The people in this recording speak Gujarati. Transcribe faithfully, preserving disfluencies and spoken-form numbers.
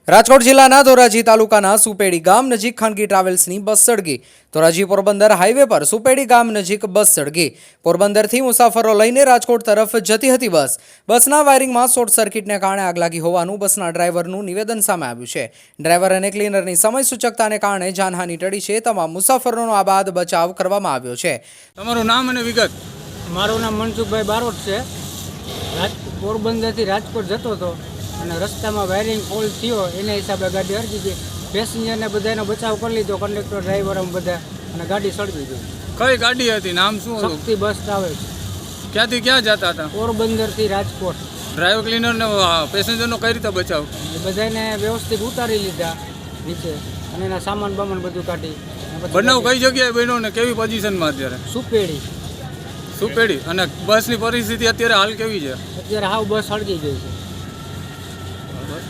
રાજકોટ જિલ્લાના ધોરાજી તાલુકાના સુપેડી ગામ નજીક ખાનગી ટ્રાવેલ્સની બસ સળગી। ધોરાજી પોરબંદર હાઈવે પર સુપેડી ગામ નજીક બસ સળગી। પોરબંદરથી મુસાફરો લઈને રાજકોટ તરફ જતી હતી બસ બસના વાયરિંગમાં શોર્ટ સર્કિટને કારણે આગ લાગી હોવાનું બસના ડ્રાઈવરનું નિવેદન સામે આવ્યું છે। ડ્રાઈવર અને ક્લીનરની સમય સૂચકતાને કારણે જાનહાનિ ટળી છે। તમામ મુસાફરોનો આ બાદ બચાવ કરવામાં આવ્યો છે। તમારું નામ અને વિગત? મારું નામ મનસુખભાઈ બારોટ છે। રાજ પોરબંદરથી રાજકોટ જતો હતો અને રસ્તામાં વાયરિંગ ફોલ થયો, એના હિસાબે ગાડી અડકી ગઈ। પેસેન્જરને બધાનો બચાવ કરી લીધો, કંડક્ટર ડ્રાઈવર અમે બધા, અને ગાડી સળગી ગઈ। કઈ ગાડી હતી? નામ શું હતું? શક્તિ બસ ટ્રાવેલ્સ, ક્યાંથી ક્યાં જતા હતા? પોરબંદરથી રાજકોટ। ડ્રાઈવર ક્લીનર ને પેસેન્જરનો કઈ રીતે બચાવ? બધાને વ્યવસ્થિત ઉતારી લીધા નીચે, અને એના સામાન બામાન બધું કાઢી। અને પછી બનાવ ગાડી- કઈ જગ્યાએ બન્યો ને કેવી પોઝિશનમાં અત્યારે? સુપેડી। સુપેડી અને બસની પરિસ્થિતિ અત્યારે હાલ કેવી છે? અત્યારે હાવ બસ સળગી ગઈ છે।